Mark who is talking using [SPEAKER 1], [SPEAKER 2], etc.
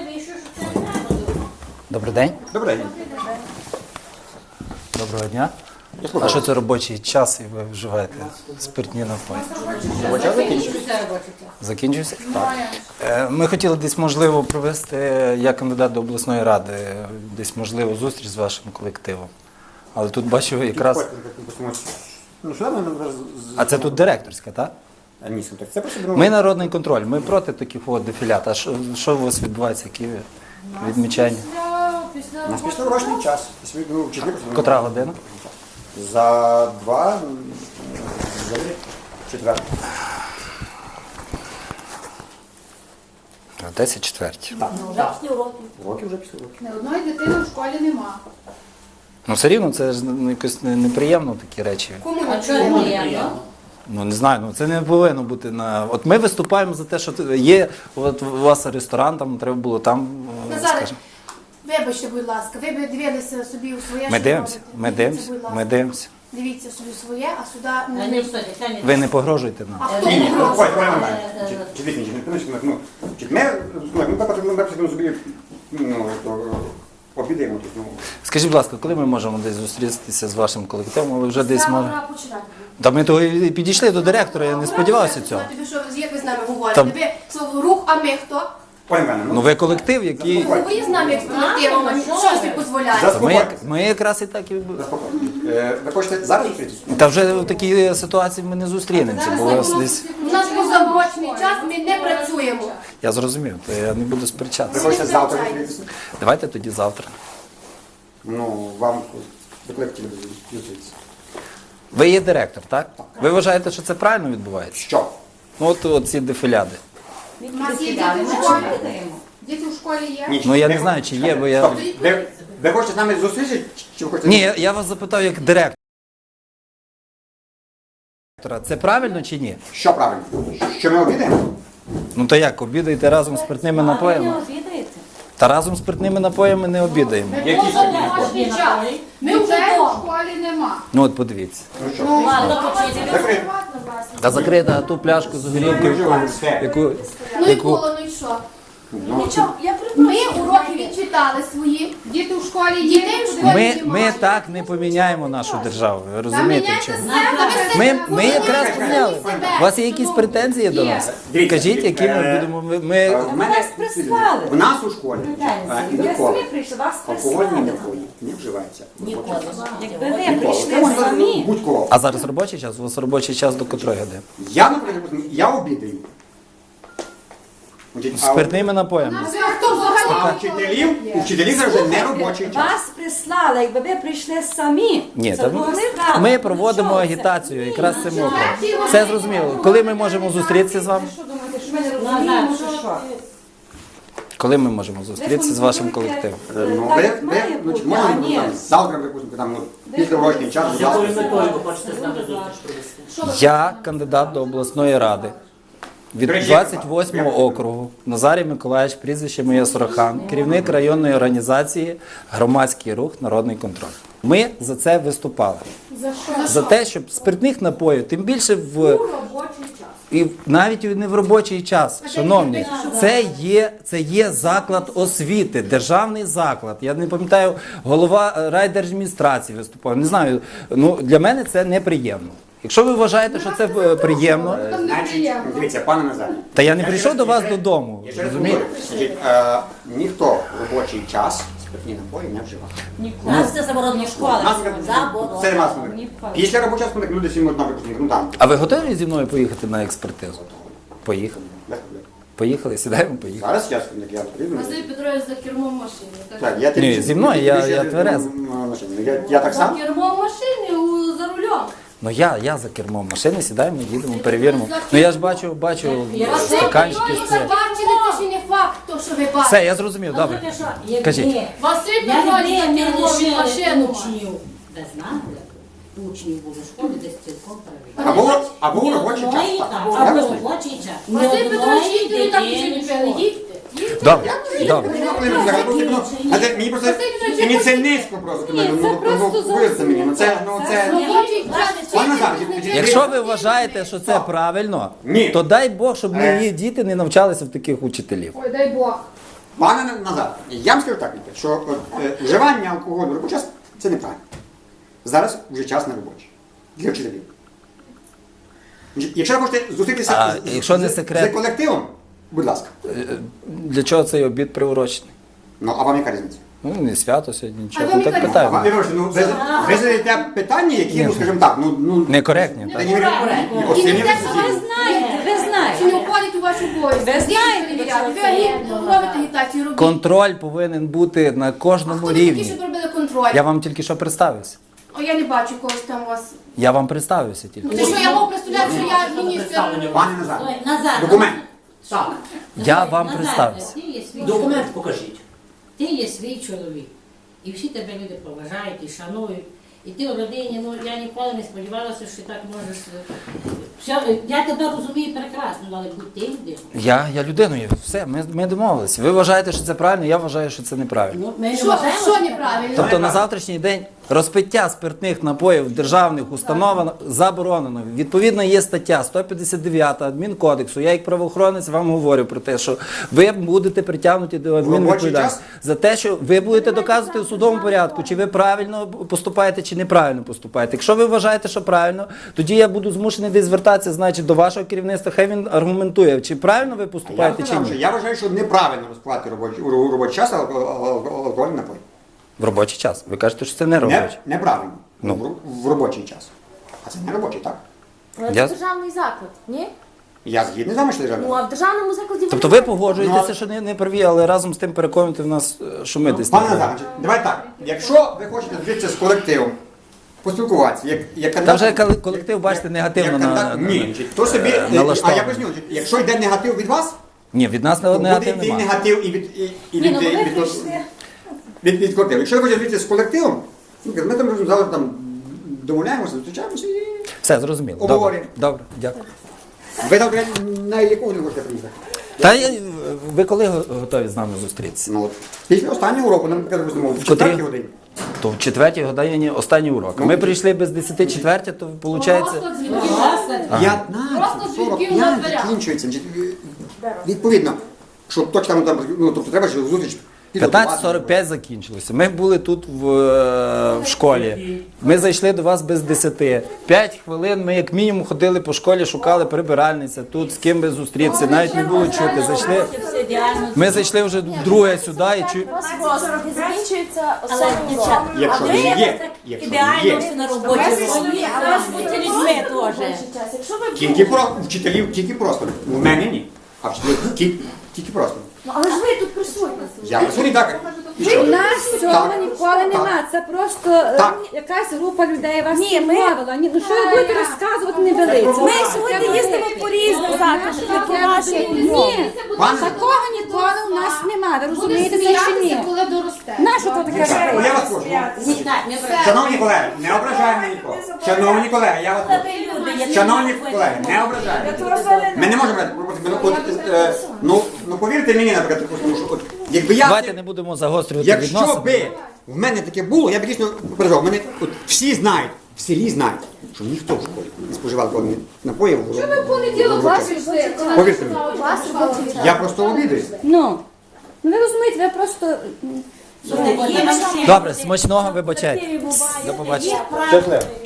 [SPEAKER 1] Добрий день.
[SPEAKER 2] Добрий день.
[SPEAKER 1] Доброго дня. А що це робочий час і ви вживаєте спиртні напої?
[SPEAKER 2] Робочий час закінчився.
[SPEAKER 1] Закінчився? Так. Ми хотіли десь, можливо, провести, я кандидат до обласної ради, десь, можливо, зустріч з вашим колективом. Але тут бачу якраз...
[SPEAKER 2] Ну, сюди ми...
[SPEAKER 1] А це тут директорська, так?
[SPEAKER 2] Ні, це просто...
[SPEAKER 1] Ми народний контроль, ми проти таких дефілят. А що у вас відбувається, які відмічання?
[SPEAKER 2] У нас після робочий час.
[SPEAKER 1] Котра година?
[SPEAKER 2] За 2, за 4.
[SPEAKER 1] 10:04.
[SPEAKER 2] Уроки вже після уроків.
[SPEAKER 3] Не одної дитини в школі нема.
[SPEAKER 1] Ну, все рівно, це ж якось неприємно такі речі.
[SPEAKER 3] Кому
[SPEAKER 4] А
[SPEAKER 3] не
[SPEAKER 4] чого неприємно?
[SPEAKER 1] Ну, не знаю, це не повинно бути на... От ми виступаємо за те, що є, от у вас ресторан, там треба було там,
[SPEAKER 3] Назаре,
[SPEAKER 1] скажімо.
[SPEAKER 3] вибачте, будь ласка, ви б дивилися собі у своє,
[SPEAKER 1] Ми
[SPEAKER 3] що
[SPEAKER 1] дивимося,
[SPEAKER 3] робите.
[SPEAKER 1] ми
[SPEAKER 3] Дивіться,
[SPEAKER 1] дивимося,
[SPEAKER 3] будь ласка.
[SPEAKER 1] ми дивимося.
[SPEAKER 3] Дивіться собі своє, а сюди
[SPEAKER 4] Та
[SPEAKER 3] не...
[SPEAKER 4] ні, що ти, та ні.
[SPEAKER 1] Ви не погрожуєте нам.
[SPEAKER 3] А хто
[SPEAKER 2] Ні, ні,
[SPEAKER 3] погрожує?
[SPEAKER 2] ой, нормально. Чи дійсно, ми потрібно собі, обідаємо тут, ну.
[SPEAKER 1] Скажіть, будь ласка, коли ми можемо десь зустрітися з вашим колективом, ви вже десь
[SPEAKER 3] Саме
[SPEAKER 1] можете?
[SPEAKER 3] пора починати.
[SPEAKER 1] Та ми того і підійшли до директора, я не сподівався цього.
[SPEAKER 3] Тобі що, як ви з нами говорите?
[SPEAKER 1] Там-
[SPEAKER 3] Ви слово рух, а ми хто?
[SPEAKER 2] Ой, мене,
[SPEAKER 1] Ну ви колектив, який...
[SPEAKER 3] Ви з нами як з колективом, а що ви собі дозволяєте?
[SPEAKER 2] За-
[SPEAKER 1] Ми якраз і так і...
[SPEAKER 2] Ви хочете зараз зустрітися?
[SPEAKER 1] Та вже в такій ситуації ми не зустрінемося, бо у вас десь...
[SPEAKER 3] У нас позаурочний час, ми не працюємо.
[SPEAKER 1] Я зрозумів, то я не буду
[SPEAKER 2] Ви
[SPEAKER 1] сперечатися.
[SPEAKER 2] хочете завтра зустрітися?
[SPEAKER 1] Давайте тоді завтра.
[SPEAKER 2] Ну, вам ви хотіли б зустрітися.
[SPEAKER 1] Ви є директор, так? Ви вважаєте, що це правильно відбувається?
[SPEAKER 2] Що?
[SPEAKER 1] Ну от ці дефіляди.
[SPEAKER 3] У нас є діти в школі. Діти в школі є?
[SPEAKER 2] Ні,
[SPEAKER 1] Ну я не знаю, чи є, бо я...
[SPEAKER 2] Стоп. Ви хочете з нами зустрітися, чи ви хочете...
[SPEAKER 1] Ні, я вас запитав як директор. Це правильно чи ні?
[SPEAKER 2] Що правильно? Що ми обідаємо?
[SPEAKER 1] Ну то як, обідаєте разом з спиртними напоями? Та разом з спиртними напоями не обідаємо.
[SPEAKER 2] Які
[SPEAKER 3] Позаурочний час. Ми вже в школі нема.
[SPEAKER 1] Ну от подивіться.
[SPEAKER 2] Ну що?
[SPEAKER 4] Ладно, почуйте.
[SPEAKER 2] Закрити.
[SPEAKER 1] Та закрита ту пляшку з горілкою, яку...
[SPEAKER 3] Ну і було, ну і що?
[SPEAKER 4] Нічого, я
[SPEAKER 3] Ми уроки відчитали свої. Діти в школі є. Дітей в школі
[SPEAKER 1] Ми так не поміняємо нашу державу, ви розумієте? в чому?
[SPEAKER 3] себе.
[SPEAKER 1] Ми якраз поміняли. У вас є якісь претензії до нас?
[SPEAKER 2] Дивіться,
[SPEAKER 1] Кажіть, які ми будемо...
[SPEAKER 2] В мене
[SPEAKER 4] нас прислали.
[SPEAKER 2] в нас у школі
[SPEAKER 4] Я
[SPEAKER 2] ніколи
[SPEAKER 4] самі прийшла, вас
[SPEAKER 2] алкогольні
[SPEAKER 4] прислали.
[SPEAKER 2] напої не вживається.
[SPEAKER 4] Ніколи. Якби ви
[SPEAKER 2] Ніколи.
[SPEAKER 4] прийшли
[SPEAKER 2] Це може
[SPEAKER 4] самі.
[SPEAKER 2] будь-кого.
[SPEAKER 1] А зараз робочий час? У вас робочий час до котрої години?
[SPEAKER 2] Я, наприклад, я обідаю. Значить,
[SPEAKER 1] З спиртними напоями.
[SPEAKER 3] Хто взагалі?
[SPEAKER 2] А у вчителів це вже не робочий час.
[SPEAKER 4] Вас прислали, якби ви прийшли самі.
[SPEAKER 1] Ні,
[SPEAKER 4] це
[SPEAKER 1] та
[SPEAKER 4] була справа.
[SPEAKER 1] ми проводимо
[SPEAKER 4] Ну, що це?
[SPEAKER 1] агітацію якраз цим оком. Все зрозуміло. Коли ми можемо зустрітися з вами?
[SPEAKER 4] Що думаєте, що ми не розуміємо, що?
[SPEAKER 1] Коли ми можемо зустрітися з вашим колективом?
[SPEAKER 2] Ну,
[SPEAKER 4] Так,
[SPEAKER 2] ви,
[SPEAKER 4] як має
[SPEAKER 2] ви,
[SPEAKER 4] бути,
[SPEAKER 2] можемо
[SPEAKER 4] а ні.
[SPEAKER 2] там, завтра, припустимо, там, після робочий час, будь ласка.
[SPEAKER 1] Я кандидат до обласної ради від 28-го округу. Назарій Миколаївич, прізвище моє Сорохан, керівник районної організації «Громадський рух. Народний контроль». Ми за це виступали.
[SPEAKER 3] За що?
[SPEAKER 1] За те, щоб спиртних напоїв, тим більше в
[SPEAKER 3] Робочий час.
[SPEAKER 1] і навіть не в робочий час, шановні, це є заклад освіти, державний заклад. Я не пам'ятаю, голова райдержадміністрації виступав. Не знаю, ну для мене це неприємно. Якщо ви вважаєте, що це приємно,
[SPEAKER 2] Значить, дивіться, пане Назарі.
[SPEAKER 1] та я не прийшов до вас додому.
[SPEAKER 2] Я ще раз
[SPEAKER 1] Розумієте?
[SPEAKER 2] говорю, значить, ніхто в робочий час спиртні напої не вживає.
[SPEAKER 4] У нас це заборонені школи.
[SPEAKER 2] Нас це вас
[SPEAKER 4] Ніколи.
[SPEAKER 2] після робочого часу, люди всі одна припустимо, ну там.
[SPEAKER 1] А ви готові зі мною поїхати на експертизу? Поїхали.
[SPEAKER 2] без проблем.
[SPEAKER 1] Поїхали, сідаємо, поїхали.
[SPEAKER 2] Зараз як я потрібно.
[SPEAKER 3] Василь Петрович за кермом машини.
[SPEAKER 2] Так, я
[SPEAKER 1] Ні, зі мною, я тверезий.
[SPEAKER 2] Я так
[SPEAKER 3] За
[SPEAKER 2] само.
[SPEAKER 3] кермом машини за рулем.
[SPEAKER 1] Ну я за кермом машини, сідаємо, їдемо, перевіримо. Ну я ж бачу стаканчики
[SPEAKER 3] Ви
[SPEAKER 1] стоять.
[SPEAKER 3] бачили, це ще не факт, то, що ви бачите.
[SPEAKER 1] Все, я зрозумів, добре. Кажіть.
[SPEAKER 3] Василь
[SPEAKER 5] Я
[SPEAKER 3] Петрович
[SPEAKER 5] не
[SPEAKER 3] за кермом
[SPEAKER 5] лишила
[SPEAKER 3] машину.
[SPEAKER 5] учнів. Ви знаєте, учнів було в школі десь цілком перевірено.
[SPEAKER 2] Або в
[SPEAKER 5] Ні
[SPEAKER 2] робочий час.
[SPEAKER 5] одної,
[SPEAKER 2] так.
[SPEAKER 5] так,
[SPEAKER 2] Я
[SPEAKER 5] або
[SPEAKER 2] вас-
[SPEAKER 5] в робочий час. Ні
[SPEAKER 3] Василь Петрович,
[SPEAKER 5] одної
[SPEAKER 3] їдьте, ви так
[SPEAKER 5] дитини
[SPEAKER 3] ще
[SPEAKER 5] в
[SPEAKER 3] не
[SPEAKER 5] школі.
[SPEAKER 3] їдьте.
[SPEAKER 1] Добре, добре.
[SPEAKER 2] Мені просто мені це низько просто. Повірте мені, ну це,
[SPEAKER 3] Робочий час.
[SPEAKER 2] Пане Назар,
[SPEAKER 1] Якщо ви вважаєте, що це правильно,
[SPEAKER 2] Ні.
[SPEAKER 1] то дай Бог, щоб мої діти не навчалися в таких учителів.
[SPEAKER 3] Ой, дай Бог.
[SPEAKER 2] Пане Назар, я вам скажу так, що вживання алкоголю в робочий час – це неправильно. Зараз вже час не робочий. Для вчителів. Якщо ви хочете зустрітися
[SPEAKER 1] А якщо не секрет?
[SPEAKER 2] з колективом, будь ласка.
[SPEAKER 1] Для чого цей обід приурочений?
[SPEAKER 2] Ну, а вам яка різниця?
[SPEAKER 1] Ну, не свято сьогодні, нічого.
[SPEAKER 3] А вам
[SPEAKER 1] Ну, так
[SPEAKER 3] яка
[SPEAKER 2] А
[SPEAKER 1] питаю.
[SPEAKER 2] вам, Ігор, ну, ви задаєте питання, які, ну, скажімо так, ну...
[SPEAKER 1] Некоректні,
[SPEAKER 2] Та
[SPEAKER 1] так?
[SPEAKER 2] ні, ось
[SPEAKER 3] І
[SPEAKER 2] це
[SPEAKER 3] не
[SPEAKER 2] не
[SPEAKER 3] те, що ви
[SPEAKER 4] Ви знаєте.
[SPEAKER 3] Чи не входить у вашу обов'язки?
[SPEAKER 4] Ви знаєте,
[SPEAKER 3] перевіряти.
[SPEAKER 4] що це є.
[SPEAKER 3] Ви робите агітацію, робіть.
[SPEAKER 1] Контроль повинен бути на
[SPEAKER 3] А
[SPEAKER 1] кожному
[SPEAKER 3] хто ви такі,
[SPEAKER 1] рівні.
[SPEAKER 3] щоб робили контроль?
[SPEAKER 1] Я вам тільки що представився.
[SPEAKER 3] О, я не бачу когось там у вас.
[SPEAKER 1] Я вам представився тільки.
[SPEAKER 3] Ти що, я мав представляти, що я міністр?
[SPEAKER 2] Пане Назар,
[SPEAKER 5] Ой, Назар,
[SPEAKER 2] документ.
[SPEAKER 5] Так.
[SPEAKER 1] Я вам
[SPEAKER 5] Назар,
[SPEAKER 1] представився.
[SPEAKER 5] ти є свій
[SPEAKER 6] Документ
[SPEAKER 5] чоловік.
[SPEAKER 6] покажіть.
[SPEAKER 5] Ти є свій чоловік. І всі тебе люди поважають і шанують. І ти в родині, ну я ніколи не сподівалася, що ти так можеш. Я тебе розумію прекрасно, але будь ти людина.
[SPEAKER 1] Я людиною. Все, ми домовилися. Ви вважаєте, що це правильно, я вважаю, що це неправильно.
[SPEAKER 5] Ну, ми не
[SPEAKER 3] Що
[SPEAKER 5] вважаємо,
[SPEAKER 3] що неправильно?
[SPEAKER 1] Тобто на завтрашній день розпиття спиртних напоїв в державних установах заборонено. Відповідно, є стаття 159 адмінкодексу. Я як правоохоронець вам говорю про те, що ви будете притягнуті до адмінвідповідальності за те, що ви будете доказувати у судовому порядку, чи ви правильно поступаєте, чи неправильно поступаєте. Якщо ви вважаєте, що правильно, тоді я буду змушений десь звертатися, значить, до вашого керівництва. Хай він аргументує, чи правильно ви
[SPEAKER 2] Я
[SPEAKER 1] поступаєте, чи
[SPEAKER 2] сказав, що
[SPEAKER 1] ні.
[SPEAKER 2] я вважаю, що неправильно розкладати робочий час алкогольний напій.
[SPEAKER 1] В робочий час. Ви кажете, що це не робочий.
[SPEAKER 2] Неправильно.
[SPEAKER 1] Ну.
[SPEAKER 2] В робочий час. А це не робочий, так?
[SPEAKER 7] Але
[SPEAKER 1] Я-
[SPEAKER 7] це державний заклад, ні?
[SPEAKER 2] Я згідний з вами, що державний.
[SPEAKER 7] Ну а в державному закладі
[SPEAKER 1] Тобто ви погоджуєтеся, що не праві, але разом з тим переконуєте в нас, що ми десь не
[SPEAKER 2] Пане
[SPEAKER 1] праві.
[SPEAKER 2] Назар, давай так. Якщо ви хочете зустрітися з колективом, поспілкуватися, як
[SPEAKER 1] Та
[SPEAKER 2] кандидат...
[SPEAKER 1] вже колектив, бачите, негативно
[SPEAKER 2] як кандидат-
[SPEAKER 1] на-
[SPEAKER 2] Ні, то собі... А
[SPEAKER 1] налаштований.
[SPEAKER 2] я поясню, якщо йде негатив від вас,
[SPEAKER 1] Ні, від нас
[SPEAKER 2] то буде
[SPEAKER 1] негатив
[SPEAKER 2] йти
[SPEAKER 1] немає.
[SPEAKER 2] негатив і від колективу. Якщо ви хочете зустрітися з колективом, ну, ми там завжди там домовляємося, зустрічаємося і...
[SPEAKER 1] Все, зрозуміло. Добре,
[SPEAKER 2] Обговорюємо.
[SPEAKER 1] добре, дякую.
[SPEAKER 2] Ви там на якого не можете приїхати?
[SPEAKER 1] Та ви коли готові з нами зустрітися?
[SPEAKER 2] Ну, от, після останнього уроку, нам допустимо, в
[SPEAKER 1] Котрій?
[SPEAKER 2] 4 годині.
[SPEAKER 1] То в 4-й годині останній урок. Ми прийшли без 10:04, то виходить...
[SPEAKER 3] Просто дзвінків.
[SPEAKER 2] 15:45
[SPEAKER 3] на дверях.
[SPEAKER 2] закінчується. Відповідно, що точно там, ну, тобто треба, щоб зустріч підготувати.
[SPEAKER 1] 15:45 закінчилося. Ми були тут в школі. Ми зайшли до вас без 10. 5 хвилин ми як мінімум ходили по школі, шукали прибиральниця, тут з ким би зустрітися, навіть не було чути. Зайшли. Ми зайшли вже вдруге сюди і чу...
[SPEAKER 7] і закінчується
[SPEAKER 4] Але
[SPEAKER 7] останній урок.
[SPEAKER 4] дівчата,
[SPEAKER 2] Якщо
[SPEAKER 4] а ви
[SPEAKER 2] є,
[SPEAKER 4] так
[SPEAKER 2] якщо
[SPEAKER 4] ідеально
[SPEAKER 2] є.
[SPEAKER 4] все на роботі. А ви ж будьте людьми теж.
[SPEAKER 7] Якщо ви
[SPEAKER 2] Тільки про вчителів, тільки просто. У мене ні. А вчителів тільки просто.
[SPEAKER 7] Ну, але ж ви тут присутні.
[SPEAKER 2] Я присутній так. І
[SPEAKER 8] У
[SPEAKER 2] що?
[SPEAKER 8] нас цього
[SPEAKER 2] Так.
[SPEAKER 8] ніколи нема. Це просто
[SPEAKER 2] Так.
[SPEAKER 8] якась група людей вас
[SPEAKER 7] Ні, ми-
[SPEAKER 8] відмовила. Ну що ви будете розказувати, не велиться.
[SPEAKER 7] Ми сьогодні їздимо по різних закладах, по вашій
[SPEAKER 8] Ні,
[SPEAKER 2] Пане,
[SPEAKER 8] такого ніколи у нас нема. Ви
[SPEAKER 3] Буде
[SPEAKER 8] розумієте це чи
[SPEAKER 3] сміятися,
[SPEAKER 8] ні?
[SPEAKER 3] коли доросте.
[SPEAKER 8] Нащо то таке
[SPEAKER 2] я
[SPEAKER 8] робити?
[SPEAKER 2] вас прошу.
[SPEAKER 5] Так, не брати.
[SPEAKER 2] Шановні колеги, не ображаємо нікого. Шановні колеги, я вас прошу. Шановні колеги, не ображаємо. Ми не можемо брати пропозицію. Ну повірте мені, наприклад, тому що от, якби я...
[SPEAKER 1] Давайте не будемо загострювати
[SPEAKER 2] Якщо
[SPEAKER 1] відносини.
[SPEAKER 2] би в мене таке було, я б дійсно переживав. Мене от всі знають, в селі знають, що ніхто в школі не споживав алкогольних напоїв.
[SPEAKER 3] Що ви в понеділок вас прийшли? коли
[SPEAKER 2] Повірте мені.
[SPEAKER 3] написали вас робочий час?
[SPEAKER 2] Я просто обідаюсь.
[SPEAKER 8] Ну, ви розумієте, ви просто...
[SPEAKER 1] Добре, смачного вибачайте. До побачення. Щасливо.